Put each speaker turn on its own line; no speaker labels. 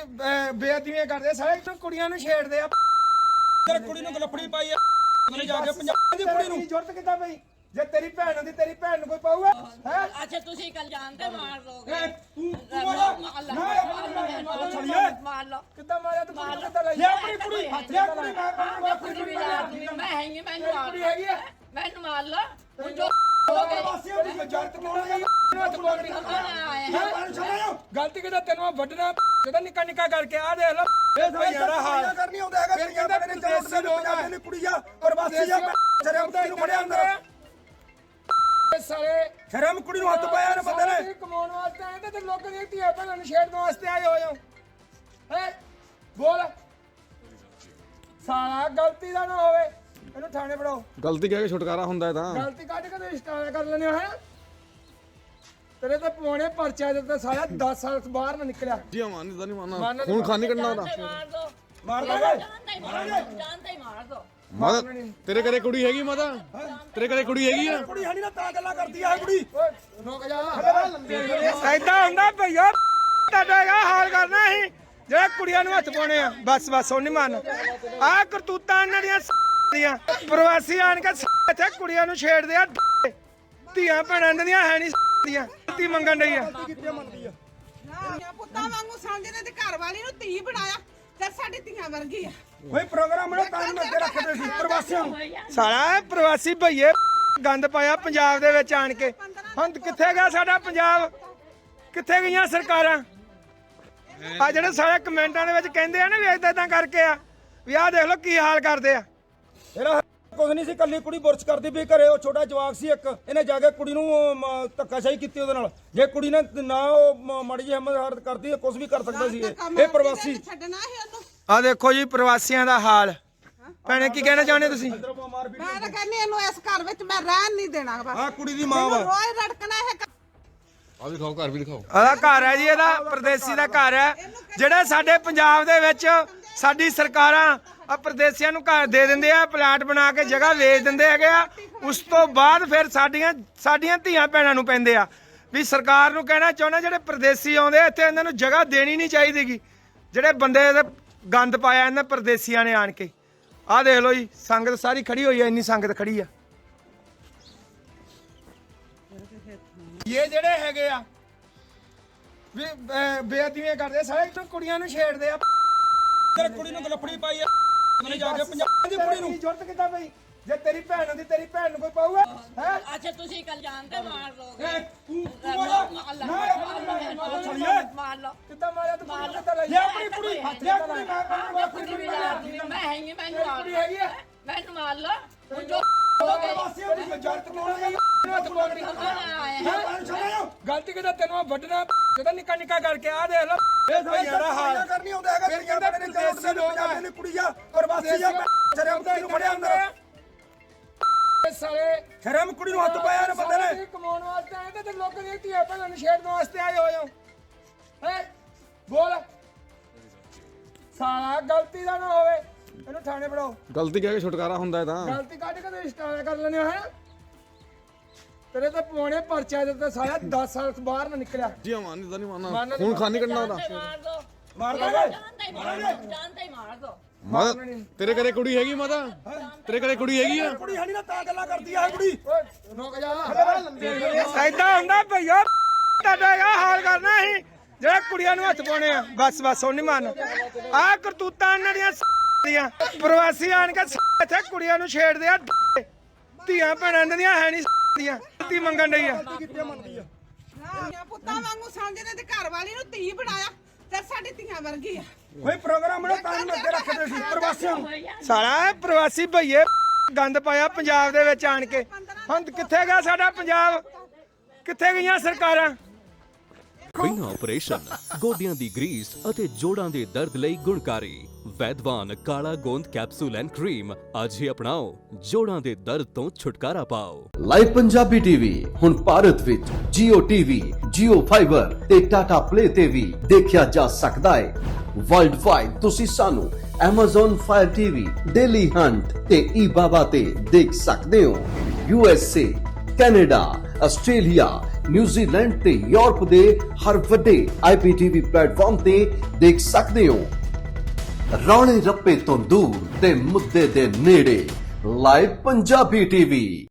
ਬੇਅਦਬੀਆਂ ਕਰਦੇ ਸਾਰੇ ਕੁੜੀਆਂ ਨੂੰ ਛੇੜਦੇ ਆ
ਤੇਰੇ ਕੁੜੀ ਨੂੰ ਗਲਫੜੀ ਪਾਈ ਆ ਉਹਨੇ ਜਾ ਕੇ ਪੰਜਾਬ ਦੀ ਕੁੜੀ ਨੂੰ
ਜ਼ਰੂਰਤ ਕਿੱਦਾਂ ਪਈ ਜੇ ਤੇਰੀ ਭੈਣ ਹੁੰਦੀ ਤੇਰੀ ਭੈਣ ਨੂੰ ਕੋਈ ਪਾਊਗਾ ਹੈ
अच्छा तुसी कल जानते मार दोगे
ਤੂੰ
मार लो
ਕਿੱਦਾਂ ਮਾਰਿਆ ਤੂੰ ਕੁੜੀ ਕਿੱਦਾਂ ਲਈ
ਲੈ ਆਪਣੀ ਕੁੜੀ ਲੈ ਕੁੜੀ ਮੈਂ
कुछ भी मैं हैंगी मैंने मार
ਕੁੜੀ ਹੈਗੀ ਆ
मैंने मार लो तुम जो
ਵਾਸੀਆਂ ਦੀ ਜਰਤ ਪਾਉਣਾ
ਹੱਥ ਪਕੜ ਕੇ ਗਲਤੀ ਕਿਹਦਾ ਤੈਨੂੰ ਵੱਢਣਾ ਕਿਹਦਾ ਨਿੱਕਾ ਨਿੱਕਾ ਕਰਕੇ ਆ ਦੇਖ ਲੋ
ਇਹ ਭਈਆ ਦਾ ਹਾਲ ਕਰਨੀ ਆਉਂਦਾ ਹੈਗਾ
ਫਿਰ ਕਹਿੰਦਾ ਮੈਨੂੰ ਦੇਸੀ ਲੋਕ ਆ
ਨੇ ਕੁੜੀ ਆ ਪ੍ਰਵਾਸੀ ਆ ਸ਼ਰਮ ਨੂੰ ਫੜਿਆ ਅੰਦਰ
ਸਾਰੇ
ਸ਼ਰਮ ਕੁੜੀ ਨੂੰ ਹੱਥ ਪਾਇਆ ਨੇ ਬੰਦੇ ਨੇ
ਕਮਾਉਣ ਵਾਸਤੇ ਆਏ ਤੇ ਲੋਕਾਂ ਦੀਆਂ ਧੀਆਂ ਭੈਣਾਂ ਨੂੰ ਛੇੜਨ ਵਾਸਤੇ ਆਏ ਹੋਏ ਹੋ ਹੈ ਬੋਲ ਸਾਲਾ ਗਲਤੀ ਦਾ ਨਾ ਹੋਵੇ ਇਹਨੂੰ ਥਾਣੇ ਫੜਾਓ
ਗਲਤੀ ਕਹਿ ਕੇ ਛੁਟਕਾਰਾ ਹੁੰਦਾ ਹੈ ਤਾਂ
ਗਲਤੀ ਕੱਢ ਕੇ ਤੇ ਸਟਾਰ ਕਰ ਲੈਣੇ ਹੈ ਤੇਰੇ ਤੇ ਪਵਾਉਣੇ ਪਰਚਾ ਦਿੱਤਾ ਸਾਰਾ 10 ਸਾਲ ਬਾਹਰ ਨਾ ਨਿਕਲਿਆ
ਜੀ ਮਾਨੀ ਦਾ ਨਹੀਂ ਮਾਨਾ ਖੂਨ ਖਾਨੀ ਕੱਢਣਾ ਉਹਦਾ
मार दो
ਮਾਰ ਦਾਂਗੇ
जानते ही मार दो
ਮਾਤਾ ਤੇਰੇ ਘਰੇ ਕੁੜੀ ਹੈਗੀ ਮਾਤਾ ਤੇਰੇ ਘਰੇ ਕੁੜੀ ਹੈਗੀ ਆ
ਕੁੜੀ ਹਣੀ ਨਾ ਤਾਂ ਗੱਲਾਂ ਕਰਦੀ ਆ ਕੁੜੀ
ਓਏ ਰੁਕ ਜਾ ਐਦਾਂ ਹੁੰਦਾ ਭਈਆ ਤੁਹਾਡਾ ਇਹ ਹਾਲ ਕਰਨਾ ਸੀ ਜਿਹੜੇ ਕੁੜੀਆਂ ਨੂੰ ਹੱਥ ਪਾਉਣੇ ਆ ਬਸ ਬਸ ਉਹ ਨਹੀਂ ਮੰਨ ਆਹ ਕਰਤੂਤਾਂ ਇਹਨਾਂ ਦੀਆਂ ਪ੍ਰਵਾਸੀ ਆਣ ਕੇ ਇੱਥੇ ਕੁੜੀਆਂ ਨੂੰ ਛੇੜਦੇ ਆ ਧੀਆਂ ਭੈਣਾਂ ਇਹਨਾਂ ਦੀਆਂ ਹੈ ਨਹੀਂ ਦੀਆਂ ਧੀ ਮੰਗਣ ਡਈ ਆ
ਪੁੱਤਾਂ ਵਾਂਗੂ ਸਮਝਦੇ ਤੇ ਘਰ ਵਾਲੀ ਨੂੰ ਧੀ ਬਣਾਇਆ ਤੇ ਸਾਡੀ ਧੀਆਂ ਵਰਗੀ ਆ
ਓਏ ਪ੍ਰੋਗਰਾਮ ਨੇ ਤਾਂ ਅੱਗੇ ਰੱਖਦੇ ਸੀ ਪ੍ਰਵਾਸੀਆਂ ਨੂੰ
ਸਾਲਾ ਪ੍ਰਵਾਸੀ ਭਈਏ ਗੰਦ ਪਾਇਆ ਪੰਜਾਬ ਦੇ ਵਿੱਚ ਆਣ ਕੇ ਹੁਣ ਕਿੱਥੇ ਗਿਆ ਸਾਡਾ ਪੰਜਾਬ ਕਿੱਥੇ ਗਈਆਂ ਸਰਕਾਰਾਂ ਆ ਜਿਹੜੇ ਸਾਰੇ ਕਮੈਂਟਾਂ ਦੇ ਵਿੱਚ ਕਹਿੰਦੇ ਆ ਨਾ ਵੀ ਏਦਾਂ ਕਰਕੇ ਆ ਵੀ ਆਹ ਦੇਖ ਲਓ ਕੀ ਹਾਲ ਕਰਦੇ ਆ
ਇਹਦਾ ਕੁਝ ਨਹੀਂ ਸੀ ਕੱਲੀ ਕੁੜੀ ਬੁਰਸ਼ ਕਰਦੀ ਵੀ ਘਰੇ ਉਹ ਛੋਟਾ ਜਵਾਕ ਸੀ ਇੱਕ ਇਹਨੇ ਜਾ ਕੇ ਕੁੜੀ ਨੂੰ ਧੱਕਾਸ਼ਾਹੀ ਕੀਤੀ ਉਹਦੇ ਨਾਲ ਜੇ ਕੁੜੀ ਨੇ ਨਾ ਉਹ ਮਾੜੀ ਜਿਹੀ ਹਿੰਮਤ ਹਰਤ ਕਰਦੀ ਕੁਝ ਵੀ ਕਰ ਸਕਦਾ ਸੀ ਇਹ ਪ੍ਰਵਾਸੀ
ਛੱਡਣਾ ਸੀ ਉਹਨੂੰ
ਆ ਦੇਖੋ ਜੀ ਪ੍ਰਵਾਸੀਆਂ ਦਾ ਹਾਲ ਭੈਣੇ ਕੀ ਕਹਿਣਾ ਚਾਹੁੰਦੇ ਤੁਸੀਂ
ਮੈਂ ਤਾਂ ਕਹਿੰਦੀ ਇਹਨੂੰ ਇਸ ਘਰ ਵਿੱਚ ਮੈਂ ਰਹਿਣ ਨਹੀਂ ਦੇਣਾ ਬਸ
ਆ ਕੁੜੀ ਦੀ ਮਾਂ ਵਾ
ਰੋਜ਼ ਰੜਕਣਾ ਇਹ
ਆ ਵੀ ਦਿਖਾਓ ਘਰ ਵੀ ਦਿਖਾਓ
ਉਹਦਾ ਘਰ ਹੈ ਜੀ ਇਹਦਾ ਪਰਦੇਸੀ ਦਾ ਘਰ ਹੈ ਜਿਹੜੇ ਸਾਡੇ ਪੰਜਾਬ ਦੇ ਵਿੱਚ ਸਾਡੀ ਸਰਕਾਰਾਂ ਆ ਪਰਦੇਸੀਆਂ ਨੂੰ ਘਰ ਦੇ ਦਿੰਦੇ ਆ ਪਲਾਟ ਬਣਾ ਕੇ ਜਗ੍ਹਾ ਵੇਚ ਦਿੰਦੇ ਹੈਗੇ ਆ ਉਸ ਤੋਂ ਬਾਅਦ ਫਿਰ ਸਾਡੀਆਂ ਧੀਆਂ ਭੈਣਾਂ ਨੂੰ ਪੈਂਦੇ ਆ ਵੀ ਸਰਕਾਰ ਨੂੰ ਕਹਿਣਾ ਚਾਹੁੰਦਾ ਜਿਹੜੇ ਪਰਦੇਸੀ ਆਉਂਦੇ ਆ ਇੱਥੇ ਇਹਨਾਂ ਨੂੰ ਜਗ੍ਹਾ ਦੇਣੀ ਨਹੀਂ ਚਾਹੀਦੀਗੀ ਜਿਹੜੇ ਬੰਦੇ ਦੇ ਗੰਦ ਪਾਇਆ ਇਹਨਾਂ ਪਰਦੇਸੀਆਂ ਨੇ ਆਣ ਕੇ ਆਹ ਦੇਖ ਲਓ ਜੀ ਸੰਗਤ ਸਾਰੀ ਖੜੀ ਹੋਈ ਆ ਇੰਨੀ ਸੰਗਤ ਖੜੀ ਆ ਇਹ ਜਿਹੜੇ ਹੈਗੇ ਆ ਵੀ ਬੇਅਦਬੀਆਂ ਕਰਦੇ ਸਾਰੇ ਕੁੜੀਆਂ ਨੂੰ ਛੇੜਦੇ ਆ
ਤੇਰੇ ਕੁੜੀ ਨੂੰ ਗਲਫੜੀ ਪਾਈ ਆ ਉਹਨੇ ਜਾ ਕੇ ਪੰਜਾਬ ਦੀ ਕੁੜੀ ਨੂੰ
ਜ਼ਰੂਰਤ ਕਿੱਦਾਂ ਪਈ ਜੇ ਤੇਰੀ ਭੈਣ ਹੁੰਦੀ ਤੇਰੀ ਭੈਣ ਨੂੰ ਕੋਈ ਪਾਊਗਾ ਹੈ
अच्छा तुसी कल जानते मार दोगे
ਤੂੰ
मार लो
ਕਿੱਦਾਂ ਮਾਰਿਆ ਤੂੰ ਕੁੜੀ ਕਿੱਦਾਂ ਲਈ
ਲੈ ਆਪਣੀ ਕੁੜੀ ਲੈ ਕੁੜੀ
कुछ भी मैं हैंगी मैंने मार
ਕੁੜੀ ਹੈਗੀ ਆ
मैंने मार लो तुम जो
ਵਾਸੀਆਂ ਦੀ ਜਰਤ ਪਾਉਣਾ
ਹੱਥ ਪਕੜ ਕੇ ਗਲਤੀ ਕਿਹਦਾ ਤੈਨੂੰ ਵੱਢਣਾ ਕਿਹਦਾ ਨਿੱਕਾ ਨਿੱਕਾ ਕਰਕੇ ਆ ਦੇਖ ਲੋ
ਇਹ ਭਈਆ ਦਾ ਹਾਲ ਕਰਨੀ ਆਉਂਦਾ ਹੈਗਾ
ਫਿਰ ਕਹਿੰਦਾ ਮੈਨੂੰ ਦੇਸੀ ਲੋਕ ਆ
ਨੇ ਕੁੜੀ ਆ ਪ੍ਰਵਾਸੀ ਆ ਸ਼ਰਮ ਨੂੰ ਫੜਿਆ ਅੰਦਰ
ਸਾਰੇ
ਸ਼ਰਮ ਕੁੜੀ ਨੂੰ ਹੱਥ ਪਾਇਆ ਨੇ ਬੰਦੇ ਨੇ
ਕਮਾਉਣ ਵਾਸਤੇ ਆਏ ਤੇ ਲੋਕਾਂ ਦੀਆਂ ਧੀਆਂ ਭੈਣਾਂ ਨੂੰ ਛੇੜਨ ਵਾਸਤੇ ਆਏ ਹੋਏ ਹੋ ਹੈ ਬੋਲ ਸਾਲਾ ਗਲਤੀ ਦਾ ਨਾ ਹੋਵੇ ਇਹਨੂੰ ਥਾਣੇ ਫੜਾਓ
ਗਲਤੀ ਕਹਿ ਕੇ ਛੁਟਕਾਰਾ ਹੁੰਦਾ ਹੈ ਤਾਂ
ਗਲਤੀ ਕੱਢ ਕੇ ਤੇ ਸਟਾਰ ਕਰ ਲੈਣੇ ਹੈ ਤੇਰੇ ਤੇ ਪਵਾਉਣੇ ਪਰਚਾ ਦਿੱਤਾ ਸਾਰਾ 10 ਸਾਲ ਬਾਹਰ ਨਾ ਨਿਕਲਿਆ
ਜੀ ਮਾਨੀ ਦਾ ਨਹੀਂ ਮਾਨਾ ਖੂਨ ਖਾਨੀ ਕੱਢਣਾ ਉਹਦਾ
मार दो
ਮਾਰ ਦਾਂਗੇ
जानते ही मार दो
ਮਾਤਾ ਤੇਰੇ ਘਰੇ ਕੁੜੀ ਹੈਗੀ ਮਾਤਾ ਤੇਰੇ ਘਰੇ ਕੁੜੀ ਹੈਗੀ ਆ
ਕੁੜੀ ਹਣੀ ਨਾ ਤਾਂ ਗੱਲਾਂ ਕਰਦੀ ਆ ਕੁੜੀ
ਓਏ ਰੁਕ ਜਾ ਐਦਾਂ ਹੁੰਦਾ ਭਈਆ ਤੁਹਾਡਾ ਇਹ ਹਾਲ ਕਰਨਾ ਸੀ ਜਿਹੜੇ ਕੁੜੀਆਂ ਨੂੰ ਹੱਥ ਪਾਉਣੇ ਆ ਬਸ ਬਸ ਉਹ ਨਹੀਂ ਮੰਨ ਆਹ ਕਰਤੂਤਾਂ ਇਹਨਾਂ ਦੀਆਂ ਪ੍ਰਵਾਸੀ ਆਣ ਕੇ ਇੱਥੇ ਕੁੜੀਆਂ ਨੂੰ ਛੇੜਦੇ ਆ ਧੀਆਂ ਭੈਣਾਂ ਇਹਨਾਂ ਦੀਆਂ ਹੈ ਨਹੀਂ ਦੀਆਂ ਧੀ ਮੰਗਣ ਡਈ ਆ
ਪੁੱਤਾਂ ਵਾਂਗੂ ਸਮਝਦੇ ਤੇ ਘਰ ਵਾਲੀ ਨੂੰ ਧੀ ਬਣਾਇਆ ਤੇ ਸਾਡੀ ਧੀਆਂ ਵਰਗੀ ਆ
ਓਏ ਪ੍ਰੋਗਰਾਮ ਨੇ ਤਾਂ ਅੱਗੇ ਰੱਖਦੇ ਸੀ ਪ੍ਰਵਾਸੀਆਂ ਨੂੰ
ਸਾਲਾ ਪ੍ਰਵਾਸੀ ਭਈਏ ਗੰਦ ਪਾਇਆ ਪੰਜਾਬ ਦੇ ਵਿੱਚ ਆਣ ਕੇ ਹੁਣ ਕਿੱਥੇ ਗਿਆ ਸਾਡਾ ਪੰਜਾਬ ਕਿੱਥੇ ਗਈਆਂ ਸਰਕਾਰਾਂ
ਬਿਨਾਂ ਆਪਰੇਸ਼ਨ ਗੋਡਿਆਂ ਦੀ ਗਰੀਸ ਅਤੇ ਜੋੜਾਂ ਦੇ ਦਰਦ ਲਈ ਗੁਣਕਾਰੀ ਵੈਦਵਾਨ ਕਾਲਾ ਗੋਂਦ ਕੈਪਸੂਲ ਐਂਡ ਕਰੀਮ ਅੱਜ ਹੀ ਅਪਣਾਓ ਜੋੜਾਂ ਦੇ ਦਰਦ ਤੋਂ ਛੁਟਕਾਰਾ ਪਾਓ।
ਲਾਈਵ ਪੰਜਾਬੀ ਟੀਵੀ ਹੁਣ ਭਾਰਤ ਵਿੱਚ Jio TV, Jio Fiber ਤੇ Tata Play ਤੇ ਵੀ ਦੇਖਿਆ ਜਾ ਸਕਦਾ ਹੈ। ਵਰਲਡ ਵਾਈਡ ਤੁਸੀਂ ਸਾਨੂੰ Amazon Fire TV, Daily Hunt ਤੇ eBaba ਤੇ ਦੇਖ ਸਕਦੇ ਹੋ। USA, ਕੈਨੇਡਾ, ਆਸਟ੍ਰੇਲੀਆ, ਨਿਊਜ਼ੀਲੈਂਡ ਤੇ ਯੂਰਪ ਦੇ ਹਰ ਵੱਡੇ IPTV ਪਲੇਟਫਾਰਮ ਤੇ ਦੇਖ ਸਕਦੇ ਹੋ। ਰੌਲੇ ਰੱਪੇ ਤੋਂ ਦੂਰ ਤੇ ਮੁੱਦੇ ਦੇ ਨੇੜੇ ਲਾਈਵ ਪੰਜਾਬੀ ਟੀਵੀ।